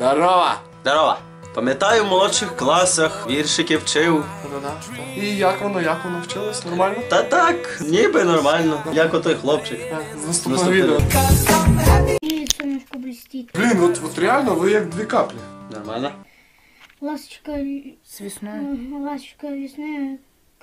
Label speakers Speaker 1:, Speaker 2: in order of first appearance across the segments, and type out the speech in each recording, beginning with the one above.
Speaker 1: Здорово!
Speaker 2: Здорово! Пам'ятаю, в молодших класах віршики вчив.
Speaker 1: І як воно вчилось? Нормально?
Speaker 2: Та так, ніби нормально. Як отой хлопчик.
Speaker 1: З наступного відео.
Speaker 3: И солнышко блестит.
Speaker 1: Блін, от реально ви як дві каплі.
Speaker 2: Нормально?
Speaker 3: Ласточка
Speaker 4: С весной.
Speaker 3: Ласточка весны.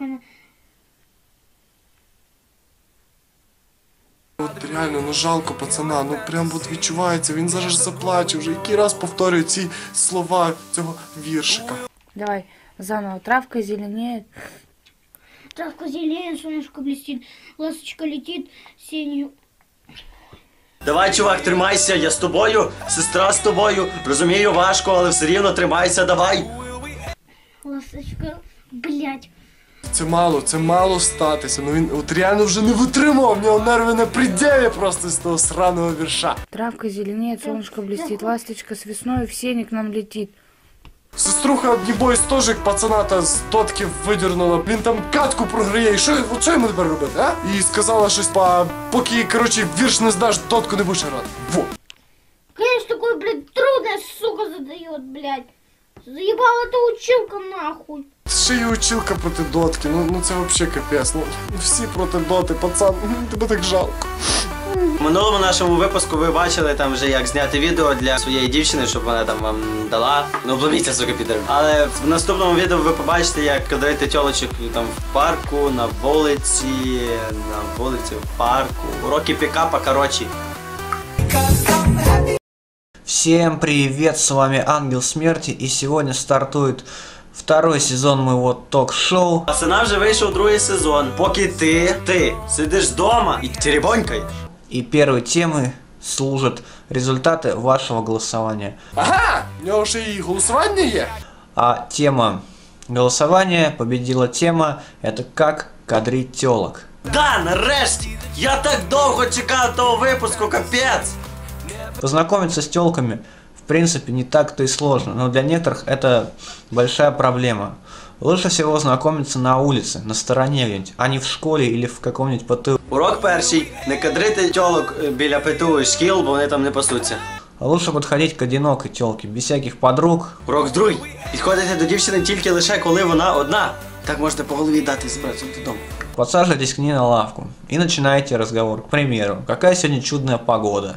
Speaker 1: От реально, ну жалко пацана, ну прям от відчувається, він зараз заплаче вже, який раз повторює ці слова цього віршика.
Speaker 4: Давай, заново. Травка зеленеет.
Speaker 3: Травка зеленеет, солнышко блестит. Ласточка летит сенью.
Speaker 2: Давай, чувак, тримайся, я з тобою, сестра з тобою. Розумію, важко, але все рівно тримайся, давай.
Speaker 3: Ласточка, блядь.
Speaker 1: Це мало статися, ну він от реально вже не витримав, в нього нерви на пределі просто з того сраного вірша.
Speaker 4: Травка зеленеет, солнышко блестит. Ласточка с весной в сене к нам летит.
Speaker 1: Сеструха, небось, теж як пацана та з дотки видернула. Він там катку програє, і що йому тепер робити, а? І сказала щось, поки, коротше, вірш не здаш, дотку не будеш грати. Во!
Speaker 3: Конечно, такой, блядь, трудная сука задает, блядь. Заебала эта училка нахуй.
Speaker 1: Ще й училка проти дотки, ну це вообще капець. Ну всі проти доти, пацан, тебе так жалко.
Speaker 2: В минулому нашому випуску ви бачили там вже як зняти відео для своєї дівчини, щоб вона там вам дала. Ну обломіться, сука, підер. Але в наступному відео ви побачите, як кадрити тьолочок там в парку, на вулиці, в парку. Уроки пікапа, короче.
Speaker 5: Всем привет, с вами Ангел Смерти, и сегодня стартует второй сезон моего ток-шоу.
Speaker 2: Пацана вже вийшов другий сезон. Поки ти сидиш вдома і теребонькаєш.
Speaker 5: И первой темой служат результаты вашего голосования.
Speaker 1: Ага! У нього ще і голосування є.
Speaker 5: А тема голосования, победила тема, это как кадрить телок.
Speaker 2: Да, нарешті! Я так довго чекав того випуску, капець!
Speaker 5: Познакомиться с телками, в принципе, не так-то и сложно, но для некоторых это большая проблема. Лучше всего знакомиться на улице, на стороне где-нибудь, а не в школе или в каком-нибудь ПТУ.
Speaker 2: Урок перший. Не кадрити тьолок біля ПТУ і шкіл, бо вони там не пасуться.
Speaker 5: А лучше подходить к одинокой телке, без всяких подруг.
Speaker 2: Урок другий. Підходите до дівчини тільки лише коли вона одна. Так можете по голові дати і збиратися додому.
Speaker 5: Подсаживайтесь к ней на лавку и начинаете разговор. К примеру, какая сегодня чудная погода.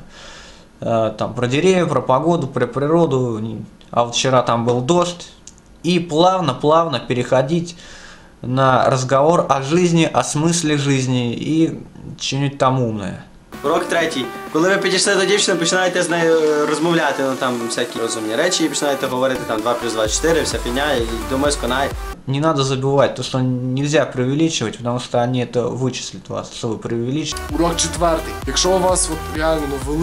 Speaker 5: Там про деревья, про погоду, про природу. А вот вчера там был дождь. И плавно переходить на разговор о жизни, о смысле жизни и что-нибудь там умное.
Speaker 2: Урок третій. Коли ви підійшли до дівчини, починаєте з нею розмовляти, ну там всякі розумні речі, і починаєте говорити там 2 плюс 2 – 4, вся фігня, і думаю, сконає.
Speaker 5: Не надо забывать то, что нельзя преувеличивать, потому что они это вычислят вас, что вы преувеличите.
Speaker 1: Урок четвертий. Якщо у вас от реально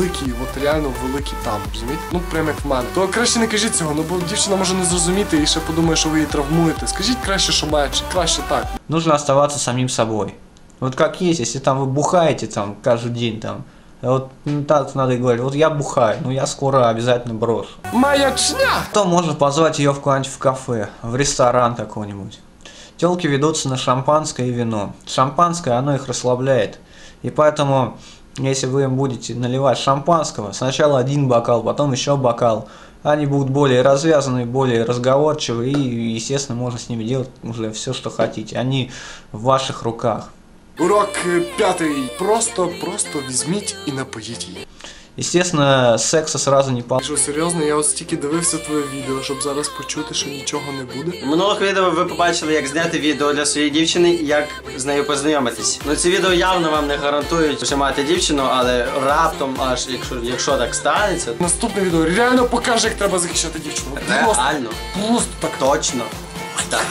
Speaker 1: великий там, розумієте? Ну прям як в мене. То краще не кажіть цього, ну бо дівчина може не зрозуміти і ще подумає, що ви її травмуєте. Скажіть краще, що менше, краще так.
Speaker 5: Нужно оставаться самим собой. Вот как есть, если там вы бухаете там каждый день там, вот так надо и говорить, вот я бухаю, но я скоро обязательно брошу.
Speaker 1: Маячня!
Speaker 5: То можно позвать ее в куда-нибудь в кафе, в ресторан какой-нибудь. Телки ведутся на шампанское и вино. Шампанское, оно их расслабляет. И поэтому, если вы им будете наливать шампанского, сначала один бокал, потом еще бокал, они будут более развязанные, более разговорчивые, и, естественно, можно с ними делать уже все, что хотите. Они в ваших руках.
Speaker 1: Урок п'ятий. Просто візьміть і напоїть її.
Speaker 5: Естественно, секса сразу не получится.
Speaker 1: Що, серйозно, я ось стільки дивився твоє відео, щоб зараз почути, що нічого не буде.
Speaker 2: У минулих відео ви побачили, як зняти відео для своєї дівчини і як з нею познайомитись. Ну ці відео явно вам не гарантують, що мати дівчину, але раптом, аж якщо так станеться...
Speaker 1: Наступне відео реально покаже, як треба захищати дівчину.
Speaker 2: Реально.
Speaker 1: Просто так.
Speaker 2: Точно. Так.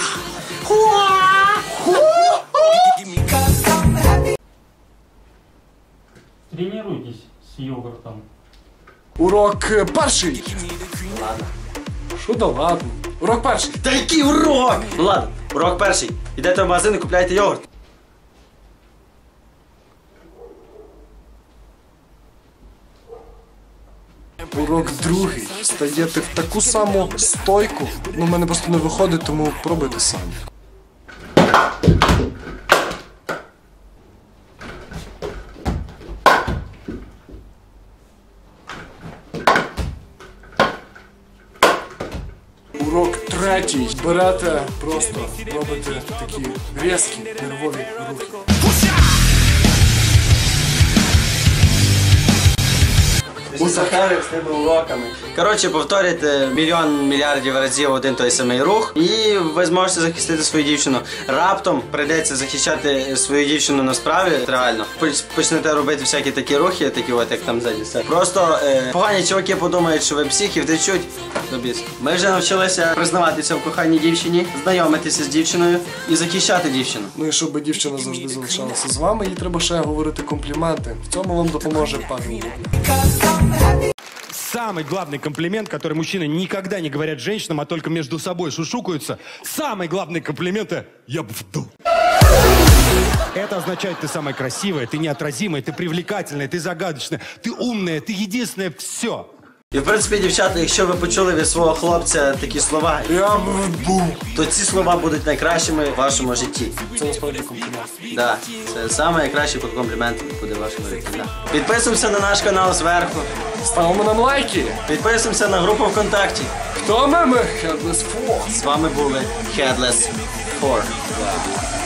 Speaker 6: Тренируйтесь с йогуртом.
Speaker 1: Урок перший.
Speaker 2: Ладно.
Speaker 1: Що да ладно? Урок перший.
Speaker 2: Та який урок? Ну ладно, урок перший. Ідете в магазин і купляєте йогурт.
Speaker 1: Урок другий. Стаєте в таку саму стойку. Ну, в мене просто не виходить, тому пробуйте самі. Третій. Берете, просто робите такі різкі нервові рухи.
Speaker 2: Сахарив з тими уроками. Коротше, повторюйте мільйон мільярдів разів один той самий рух, і ви зможете захистити свою дівчину. Раптом прийдеться захищати свою дівчину на справі, реально. Почнете робити всякі такі рухи, такі от, як там ззаді. Просто погані чуваки подумають, що ви псих і втечуть до біс. Ми вже навчилися признаватися в коханій дівчині, знайомитися з дівчиною і захищати дівчину.
Speaker 1: Ну і щоб дівчина завжди залишалася з вами, їй треба ще говорити компліменти. В цьому вам допоможе Павел Лугна.
Speaker 7: Самый главный комплимент, который мужчины никогда не говорят женщинам, а только между собой шушукаются. Самый главный комплимент — «я бы вдул». Это означает, ты самая красивая, ты неотразимая, ты привлекательная, ты загадочная, ты умная, ты единственное все.
Speaker 2: І в принципі, дівчата, якщо ви почули від свого хлопця такі слова,
Speaker 1: Я був.
Speaker 2: то ці слова будуть найкращими в вашому житті.
Speaker 1: Це насправді комплімент.
Speaker 2: Да, це найкращий комплімент буде в вашому житті. Да. Підписуємося на наш канал зверху.
Speaker 1: Ставимо нам лайки.
Speaker 2: Підписуємося на групу ВКонтакті.
Speaker 1: Хто ми? Headless Four.
Speaker 2: З вами були Headless 4.